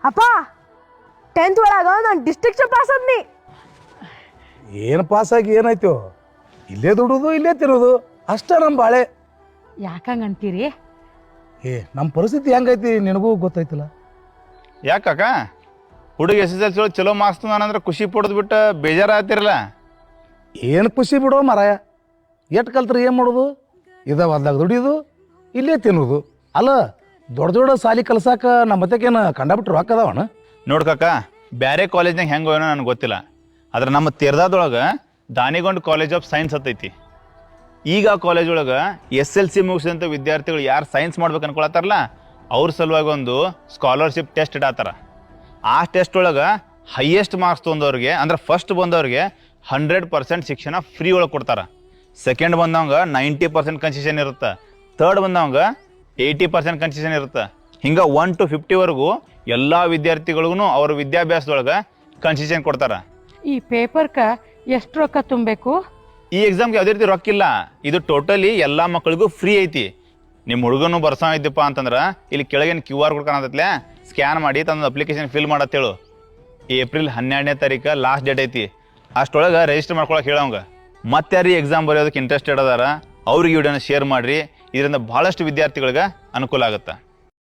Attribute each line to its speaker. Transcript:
Speaker 1: ಅಪ್ಪ 10th ಒಳಗ ನಾನು ಡಿಸ್ಟ್ರಿಕ್ಟ್ ಪಾಸ್ ಆದ್ನಿ.
Speaker 2: ಏನು ಪಾಸಾಗಿ ಏನಾಯ್ತು? ಇಲ್ಲೇ ದುಡುದು ಇಲ್ಲೇ ತಿನ್ನೋದು ಅಷ್ಟ ನಮ್ಮ ಬಾಳೆ.
Speaker 3: ಯಾಕಂಗಂತೀರಿ?
Speaker 2: ನಮ್ಮ ಪರಿಸ್ಥಿತಿ ಹೆಂಗೈತಿ ನಿನಗೂ ಗೊತ್ತೈತಿಲ್ಲ.
Speaker 4: ಯಾಕ ಹುಡುಗ SSLC ಒಳಗೆ ಚಲೋ ಮಾರ್ಕ್ಸ್ ತಂದಾನಂದ್ರೆ ಖುಷಿ ಪಡೋದು ಬಿಟ್ಟು ಬೇಜಾರಾಗ್ತಿರಲ್ಲ.
Speaker 2: ಏನು ಖುಷಿ ಬಿಡೋ ಮರಾಯ, ಎಟ್ಟು ಕಲ್ತ್ರೆ ಏನು ಮಾಡೋದು? ಹೊಲ್ದಾಗ ದುಡಿಯೋದು ಇಲ್ಲೇ ತಿನ್ನೋದು. ಅಲ್ಲ ದೊಡ್ಡ ದೊಡ್ಡ ಸಾಲಿ ಕಲ್ಸಾಕ ನಮ್ಮ ಮತ್ತಕ್ಕೇನು ಕಂಡಬಿಟ್ರು ಹಾಕದವಣ.
Speaker 4: ನೋಡ್ಕಕ್ಕ ಬೇರೆ ಕಾಲೇಜ್ನಾಗ ಹೆಂಗೆ ಹೋಯ್ನೋ ನನಗೆ ಗೊತ್ತಿಲ್ಲ, ಆದ್ರೆ ನಮ್ಮ ತೀರ್ದಾದೊಳಗೆ ದಾನಿಗೊಂಡು ಕಾಲೇಜ್ ಆಫ್ ಸೈನ್ಸ್ ಹತ್ತೈತಿ. ಈಗ ಆ ಕಾಲೇಜ್ ಒಳಗೆ SLC ಮುಗಿಸಿದಂಥ ವಿದ್ಯಾರ್ಥಿಗಳು ಯಾರು ಸೈನ್ಸ್ ಮಾಡ್ಬೇಕು ಅನ್ಕೊಳತ್ತಾರಲ್ಲ ಅವ್ರ ಸಲುವಾಗಿ ಒಂದು ಸ್ಕಾಲರ್ಶಿಪ್ ಟೆಸ್ಟ್ ಇಡತ್ತಾರ. ಆ ಟೆಸ್ಟ್ ಒಳಗೆ ಹೈಯೆಸ್ಟ್ ಮಾರ್ಕ್ಸ್ ತೊಗೊಂಡವ್ರಿಗೆ ಅಂದ್ರೆ ಫಸ್ಟ್ ಬಂದವ್ರಿಗೆ 100% ಶಿಕ್ಷಣ ಫ್ರೀ ಒಳಗೆ ಕೊಡ್ತಾರೆ. ಸೆಕೆಂಡ್ ಬಂದವಂಗೆ 90% ಕನ್ಸೆಷನ್ ಇರುತ್ತೆ. ಥರ್ಡ್ ಬಂದವಂಗೆ 80% ಕನ್ಸೆಷನ್ ಇರುತ್ತೆ. ಹಿಂಗೆ 1 to 50ವರೆಗೂ ಎಲ್ಲ ವಿದ್ಯಾರ್ಥಿಗಳಿಗೂ ಅವ್ರ ವಿದ್ಯಾಭ್ಯಾಸದೊಳಗೆ ಕನ್ಸೆಷನ್ ಕೊಡ್ತಾರೆ.
Speaker 3: ಈ ಪೇಪರ್ಕ ಎಷ್ಟು ರೊಕ್ಕ ತುಂಬಬೇಕು?
Speaker 4: ಈ ಎಕ್ಸಾಮ್ಗೆ ಯಾವುದೇ ರೀತಿ ರೊಕ್ಕ ಇಲ್ಲ. ಇದು ಟೋಟಲಿ ಎಲ್ಲ ಮಕ್ಕಳಿಗೂ ಫ್ರೀ ಐತಿ. ನಿಮ್ಮ ಹುಡುಗನು ಬರ್ಸೋ ಇದ್ದಪ್ಪ ಅಂತಂದ್ರೆ ಇಲ್ಲಿ ಕೆಳಗಿನ QR ಕೋಡ್ ಕಾಣತ್ತಲೆ ಸ್ಕ್ಯಾನ್ ಮಾಡಿ ತಂದು ಅಪ್ಲಿಕೇಶನ್ ಫಿಲ್ ಮಾಡತ್ತೇಳು. ಏಪ್ರಿಲ್ 12ನೇ ತಾರೀಕು ಲಾಸ್ಟ್ ಡೇಟ್ ಐತಿ. ಅಷ್ಟೊಳಗೆ ರಿಜಿಸ್ಟರ್ ಮಾಡ್ಕೊಳಕ್ಕೆ ಹೇಳೋಂಗ. ಮತ್ತೆ ಯಾರು ಎಕ್ಸಾಮ್ ಬರೆಯೋದಕ್ಕೆ ಇಂಟ್ರೆಸ್ಟೆಡ್ ಅದಾರ ಅವ್ರಿಗೆ ವಿಡಿಯೋನ ಶೇರ್ ಮಾಡಿರಿ. ಇದರಿಂದ ಭಾಳಷ್ಟು ವಿದ್ಯಾರ್ಥಿಗಳಿಗೆ ಅನುಕೂಲ ಆಗುತ್ತೆ.